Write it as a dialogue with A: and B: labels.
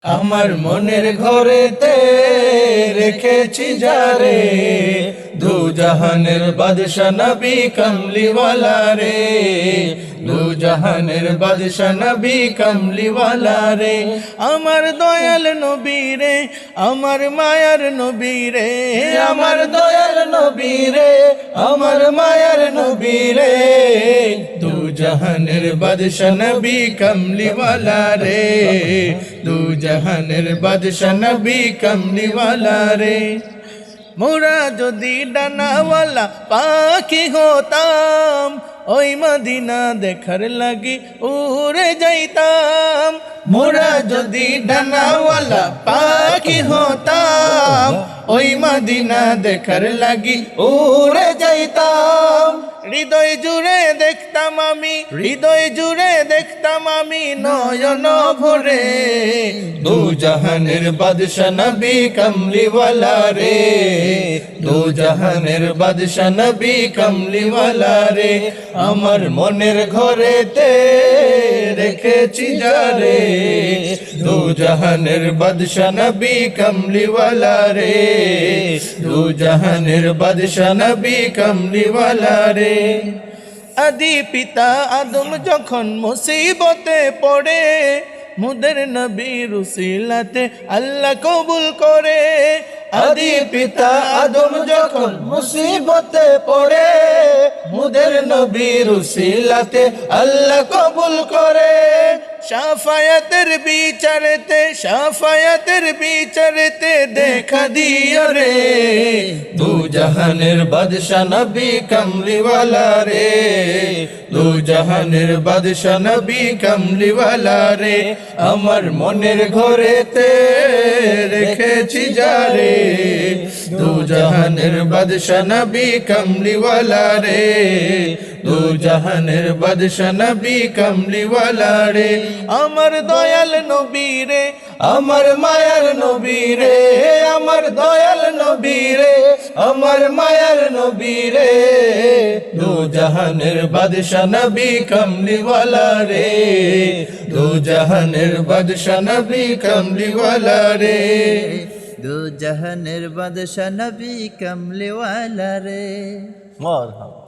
A: আমার মনের ঘরেতে রেখেছি যারে, দু জাহানের বাদশা নবী কমলিওয়ালা রে, দু জাহানের বাদশা নবী কমলিওয়ালা রে। আমার দয়াল নবী রে, আমার মায়ার নবী রে, আমার দয়াল নবী রে, আমার মায়ার নবী রে, দু জাহানের বাদশা নবী কমলিওয়ালা রে, দু জাহানের বাদশা নবী কমলিওয়ালা রে। মোরা যদি ডানাওয়ালা পাখি হতাম, ওই মদিনা দেখার লাগি উড়ে যাইতাম। মোরা যদি ডানাওয়ালা পাখি হতাম, ওই মদিনা দেখার লাগি উড়ে যাইতাম। হৃদয় জুড়ে দেখতাম আমি, হৃদয় জুড়ে দেখতাম আমি নয়ন ভরে, দু জাহানের বাদশা নবী কমলিওয়ালা রে, দু জাহানের বাদশা নবী কমলিওয়ালা রে। আমার মনের ঘরেতে রেখেছি যারে, দু জাহানের বাদশা নবী কমলিওয়ালা রে, দু জাহানের বাদশা নবী কমলিওয়ালা রে। আদি পিতা আদম যখন মুসিবতে পড়ে, মুদের নবীর উসিলাতে আল্লাহ কবুল করে। আদি পিতা আদম যখন মুসিবতে পড়ে, মুদের নবীর উসিলাতে আল্লাহ কবুল করে। শাফায়াতের বিচারেতে, শাফায়াতের বিচারেতে দেখা দিও রে, দু জাহানের বাদশা নবী কমলিওয়ালা রে, দু জাহানের বাদশা নবী কমলিওয়ালা রে। আমার মনের ঘরেতে রেখেছি যারে, দু জাহানের বাদশা নবী কমলিওয়ালা রে, দু জাহানের বাদশা নবী কমলিওয়ালা রে। আমার দয়াল নবী রে, আমার মায়ার নবী রে, আমার দয়াল নবী রে, আমার মায়ার নবী রে, দু জাহানের বাদশা নবী কমলিওয়ালা রে, দু জাহানের বাদশা নবী কমলিওয়ালা রে,
B: দু জাহানের বাদশা নবী কমলিওয়ালা রে।
A: মারহাবা।